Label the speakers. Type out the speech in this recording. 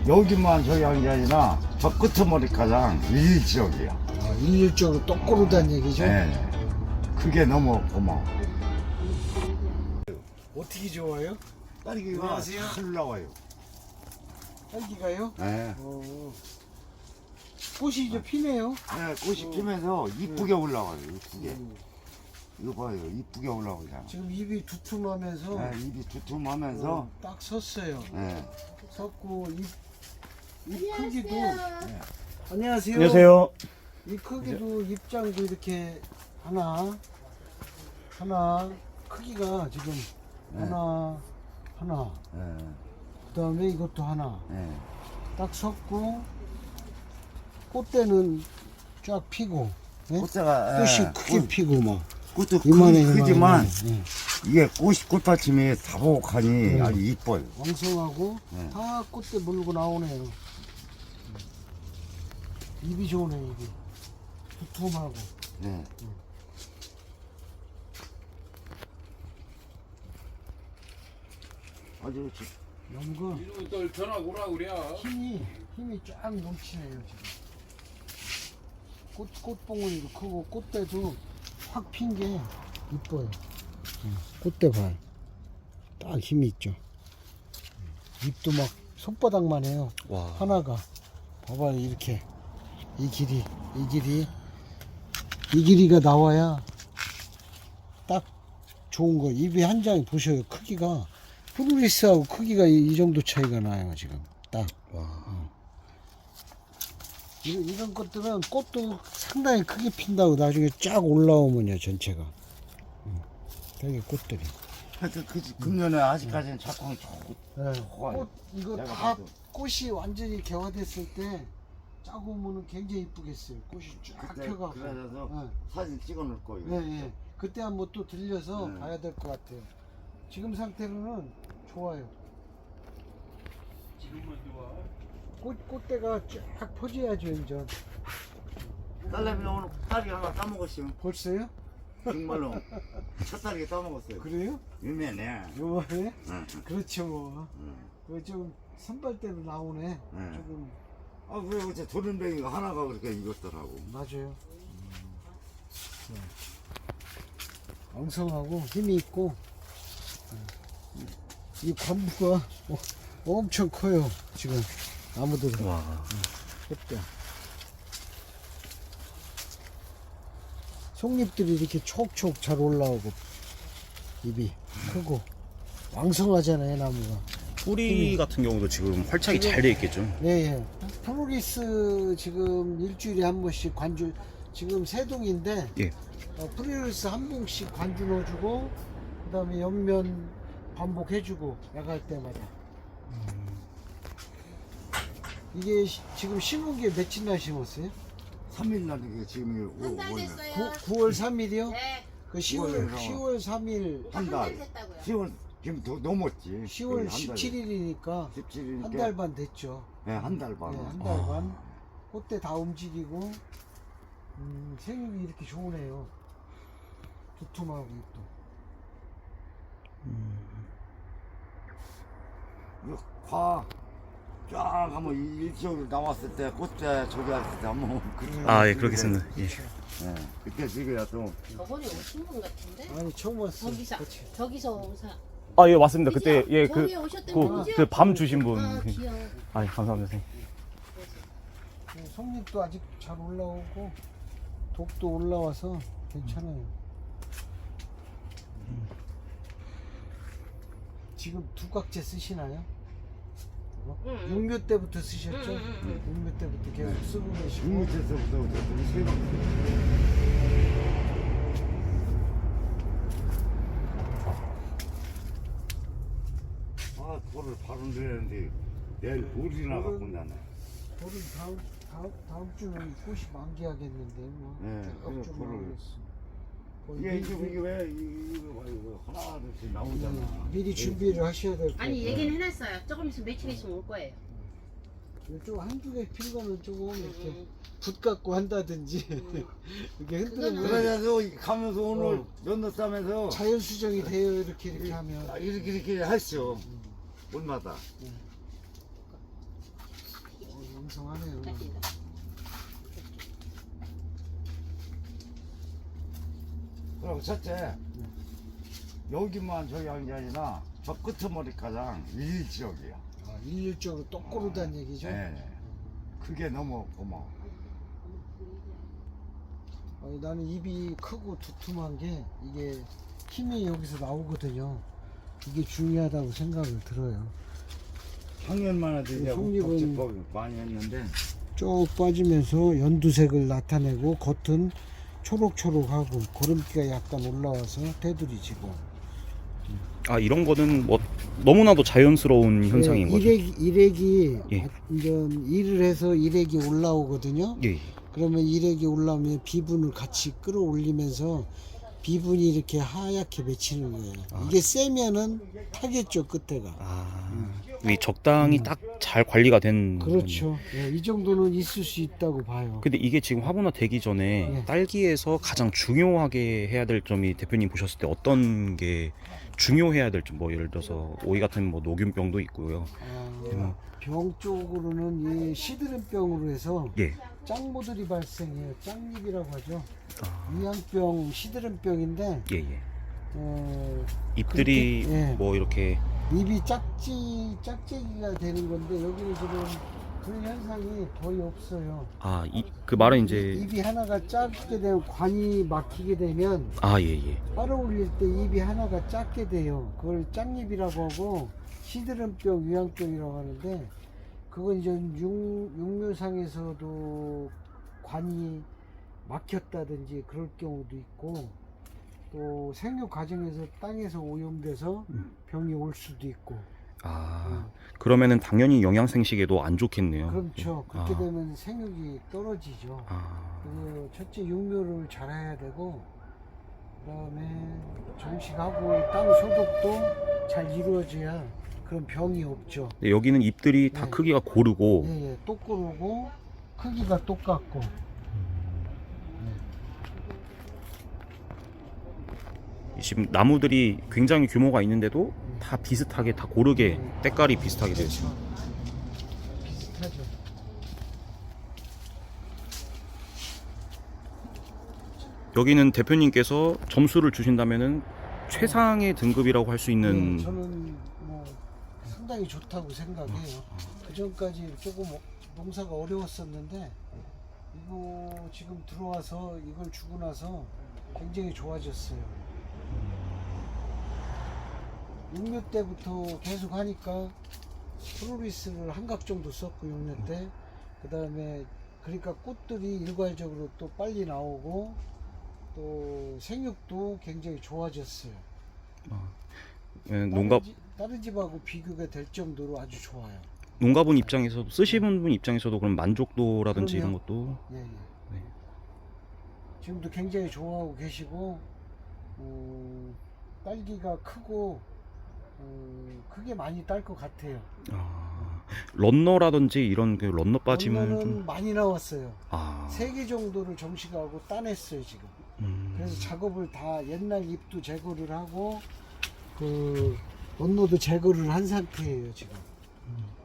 Speaker 1: 여기만 저기 한 게 아니라 저 끝머리 가장 일지역이야.
Speaker 2: 일률적으로 똑고르다는 얘기죠?
Speaker 1: 네. 그게 너무 고마워.
Speaker 2: 어떻게 좋아요?
Speaker 1: 딸기가
Speaker 2: 안녕하세요.
Speaker 1: 잘 나와요.
Speaker 2: 딸기가요?
Speaker 1: 네.
Speaker 2: 꽃이 이제 피네요.
Speaker 1: 네, 꽃이 피면서 이쁘게 올라와요. 이쁘게. 이거 봐요. 이쁘게 올라오잖아.
Speaker 2: 지금 입이 두툼하면서
Speaker 1: 네, 입이 두툼하면서
Speaker 2: 딱 섰어요.
Speaker 1: 네.
Speaker 2: 섰고 입 크기도 안녕하세요.
Speaker 3: 안녕하세요.
Speaker 2: 입 크기도 입장도 이렇게 하나 크기가 지금 하나
Speaker 1: 네.
Speaker 2: 그다음에 이것도 하나
Speaker 1: 네.
Speaker 2: 딱 섰고 꽃대는 쫙 피고 예?
Speaker 1: 꽃자가
Speaker 2: 꽃이 크게 피고 막
Speaker 1: 꽃도
Speaker 2: 이만해
Speaker 1: 크지만
Speaker 2: 예.
Speaker 1: 이게 꽃받침이 다복하니 아주 이뻐요.
Speaker 2: 왕성하고
Speaker 1: 네.
Speaker 2: 다 꽃대 물고 나오네요. 입이 좋네 입이 두툼하고.
Speaker 1: 네. 아주
Speaker 2: 연근
Speaker 4: 이놈이 또 전화 오라 그래.
Speaker 2: 힘이 쫙 넘치네요 지금. 꽃봉오리도 크고 꽃대도 확 핀 게 이뻐요. 꽃대 발. 딱 힘이 있죠. 잎도 막 손바닥만 해요.
Speaker 3: 와.
Speaker 2: 하나가. 봐봐요 이렇게 이 길이가 나와야 딱 좋은 거. 입이 한 장이 보셔요. 크기가 프루리스하고 크기가 이 정도 차이가 나요 지금. 딱. 이런 것들은 꽃도 상당히 크게 핀다고 나중에 쫙 올라오면요 전체가. 되게 꽃들이.
Speaker 1: 하여튼 금년에 아직까지는 작황이 좋고
Speaker 2: 네.
Speaker 1: 좋아요.
Speaker 2: 꽃 이거
Speaker 1: 내가
Speaker 2: 다
Speaker 1: 봐도.
Speaker 2: 꽃이 완전히 개화됐을 때 짜고 오면은 굉장히 이쁘겠어요. 꽃이 쫙
Speaker 1: 그때
Speaker 2: 펴가고.
Speaker 1: 그래서
Speaker 2: 네.
Speaker 1: 사진 찍어 놓을 거예요.
Speaker 2: 네. 그때 한번 또 들려서
Speaker 1: 네.
Speaker 2: 봐야 될 것 같아요. 지금 상태로는 좋아요.
Speaker 4: 지금만 좋아.
Speaker 2: 꽃대가 쫙 퍼져야죠 이제.
Speaker 1: 딸내미 오늘 딸기 하나 따먹었어요.
Speaker 2: 벌써요?
Speaker 1: 정말로 첫 딸기 따먹었어요.
Speaker 2: 그래요?
Speaker 1: 유명해.
Speaker 2: 요번에?
Speaker 1: 응.
Speaker 2: 그렇죠 뭐.
Speaker 1: 응.
Speaker 2: 그 좀 선발대로 나오네.
Speaker 1: 네.
Speaker 2: 조금
Speaker 1: 아왜 어째 도른뱅이가 하나가 그렇게 익었더라고.
Speaker 2: 맞아요. 엉성하고 힘이 있고 이 관부가 엄청 커요 지금 나무들은.
Speaker 3: 와.
Speaker 2: 예쁘다. 속잎들이 이렇게 촉촉 잘 올라오고 잎이 크고 왕성하잖아요 나무가.
Speaker 3: 뿌리 같은 경우도 지금 활착이 잘 돼 있겠죠.
Speaker 2: 네, 프로리스 지금 일주일에 한 번씩 관주 지금 세 동인데
Speaker 3: 예.
Speaker 2: 프로리스 한 봉씩 관주 넣어주고 그다음에 옆면 반복해주고 나갈 때마다. 이게 지금 심은 게 며칠 날 심었어요?
Speaker 1: 3일 날 이게 지금
Speaker 5: 한 달
Speaker 1: 5월
Speaker 5: 됐어요.
Speaker 2: 9월 3일이요?
Speaker 5: 네.
Speaker 2: 그 10월
Speaker 1: 9월
Speaker 2: 3일
Speaker 1: 한 달.
Speaker 5: 한 달 됐다고요.
Speaker 1: 10월 지금 더 넘었지.
Speaker 2: 10월 17일이니까
Speaker 1: 17일이니까
Speaker 2: 한 달 반 됐죠.
Speaker 1: 네, 한 달 반.
Speaker 2: 네, 한 달 반. 꽃대 다 움직이고 생육이 이렇게 좋으네요. 두툼하고 또.
Speaker 1: 이거 쫙 한번 일적으로 나왔을 때 꽃대 저기 했을 때 한번
Speaker 3: 아, 예, 그렇겠습니다. 예.
Speaker 1: 네, 그때 지금야 또
Speaker 5: 저번에 오신 분 같은데?
Speaker 2: 아니 처음 왔어.
Speaker 5: 저기서 오사.
Speaker 3: 아, 예, 맞습니다. 그때 예,
Speaker 5: 저기 오셨던 분이죠?
Speaker 3: 그 밤 주신 분.
Speaker 5: 아, 귀여워.
Speaker 3: 아, 감사합니다. 선생님.
Speaker 2: 속잎도 아직 잘 올라오고 독도 올라와서 괜찮아요. 지금 두각제 쓰시나요? 육묘 때부터 쓰셨죠? 육묘 때부터 계속 쓰고 계시고.
Speaker 1: 밑에서부터 우리 세 번. 아, 돌을 바로 내렸는데 내일 돌이나 갖고 나네.
Speaker 2: 돌은 다음 주는 꽃이 만개하겠는데 뭐.
Speaker 1: 네,
Speaker 2: 쭉
Speaker 1: 그래서 돌을-
Speaker 2: 나오겠어.
Speaker 1: 이게 이게 왜 이거 봐 이거 하나 둘씩 나오잖아.
Speaker 2: 미리 준비를 하셔야 될 거예요.
Speaker 5: 아니 얘기는 해놨어요. 조금 있으면 며칠 있으면 올 거예요.
Speaker 2: 좀 한두 개 핀 거는 조금 이렇게 붓 갖고 한다든지 이렇게 흔들면
Speaker 1: 그래서 가면서 오늘 연도 싸면서
Speaker 2: 자연 수정이 돼요. 이렇게 하면.
Speaker 1: 이렇게 했어. 온마다.
Speaker 2: 왕성하네요.
Speaker 5: 딱이다.
Speaker 1: 그럼 첫째 여기만 저기 한 게 아니라 저 끄트머리가장 일지역이야.
Speaker 2: 아, 일률적으로 똑고르다는 얘기죠.
Speaker 1: 네. 그게 너무 고마워.
Speaker 2: 아니, 나는 입이 크고 두툼한 게 이게 힘이 여기서 나오거든요. 이게 중요하다고 생각을 들어요.
Speaker 1: 작년만 해도 이제
Speaker 2: 속립은
Speaker 1: 복지법 많이 했는데
Speaker 2: 쭉 빠지면서 연두색을 나타내고 겉은 초록초록하고 고름기가 약간 올라와서 테두리지고.
Speaker 3: 아 이런 거는 뭐 너무나도 자연스러운 현상인 거죠.
Speaker 2: 일액이
Speaker 3: 예.
Speaker 2: 이제 일을 해서 일액이 올라오거든요.
Speaker 3: 예.
Speaker 2: 그러면 일액이 올라오면 비분을 같이 끌어올리면서 비분이 이렇게 하얗게 맺히는 거예요. 이게 세면은 타겠죠, 끝에가.
Speaker 3: 이 적당히 딱 잘 관리가 된.
Speaker 2: 그렇죠. 예, 이 정도는 있을 수 있다고 봐요.
Speaker 3: 근데 이게 지금 화분화 되기 전에
Speaker 2: 예.
Speaker 3: 딸기에서 가장 중요하게 해야 될 점이 대표님 보셨을 때 어떤 게 중요해야 될 점, 뭐 예를 들어서 오이 같은 뭐 노균병도 있고요.
Speaker 2: 병 쪽으로는 이 시드름병으로 해서
Speaker 3: 예.
Speaker 2: 짱모들이 발생해요. 짱잎이라고 하죠.
Speaker 3: 아,
Speaker 2: 위양병, 시드름병인데
Speaker 3: 예, 예.
Speaker 2: 그렇게,
Speaker 3: 잎들이
Speaker 2: 예.
Speaker 3: 뭐 이렇게
Speaker 2: 잎이 짝짝이가 되는 건데 여기는 지금 그런 현상이 거의 없어요.
Speaker 3: 그 말은 이제
Speaker 2: 잎이 하나가 작게 되면 관이 막히게 되면
Speaker 3: 예, 예.
Speaker 2: 빨아 올릴 때 잎이 하나가 작게 돼요. 그걸 짝잎이라고 하고 시드름병, 위양병이라고 하는데 그건 이제 육묘상에서도 관이 막혔다든지 그럴 경우도 있고 또 생육 과정에서 땅에서 오염돼서 병이 올 수도 있고.
Speaker 3: 그러면은 당연히 영양생식에도 안 좋겠네요.
Speaker 2: 그렇죠. 그렇게
Speaker 3: 아.
Speaker 2: 되면 생육이 떨어지죠. 그래서 첫째 육묘를 잘 해야 되고 그다음에 정식하고 땅 소독도 잘 이루어져야 그런 병이 없죠.
Speaker 3: 네, 여기는 잎들이 다
Speaker 2: 네.
Speaker 3: 크기가 고르고
Speaker 2: 예, 똑고르고 크기가 똑같고.
Speaker 3: 지금 나무들이 굉장히 규모가 있는데도 다 비슷하게 다 고르게 때깔이 비슷하게 되어 있어요.
Speaker 2: 비슷하죠.
Speaker 3: 여기는 대표님께서 점수를 주신다면은 최상의 등급이라고 할 수 있는.
Speaker 2: 저는 뭐 상당히 좋다고 생각해요. 그 전까지 조금 농사가 어려웠었는데 이거 지금 들어와서 이걸 주고 나서 굉장히 좋아졌어요. 6년 때부터 계속 하니까 프로리스를 한 각 정도 썼고 6년 때. 그 다음에 그러니까 꽃들이 일괄적으로 또 빨리 나오고 또 생육도 굉장히 좋아졌어요. 다른 집하고 비교가 될 정도로 아주 좋아요.
Speaker 3: 농가분 입장에서 쓰시는 분 입장에서도 그럼 만족도라든지
Speaker 2: 그럼요.
Speaker 3: 이런 것도.
Speaker 2: 예, 예.
Speaker 3: 네.
Speaker 2: 지금도 굉장히 좋아하고 계시고 딸기가 크고 크게 많이 딸 것 같아요.
Speaker 3: 런너라든지 이런 그 런너 빠짐은
Speaker 2: 런너는
Speaker 3: 좀.
Speaker 2: 많이 나왔어요.
Speaker 3: 아.
Speaker 2: 3개 정도를 정식하고 따냈어요 지금. 그래서 작업을 다 옛날 잎도 제거를 하고 그 런너도 제거를 한 상태예요 지금.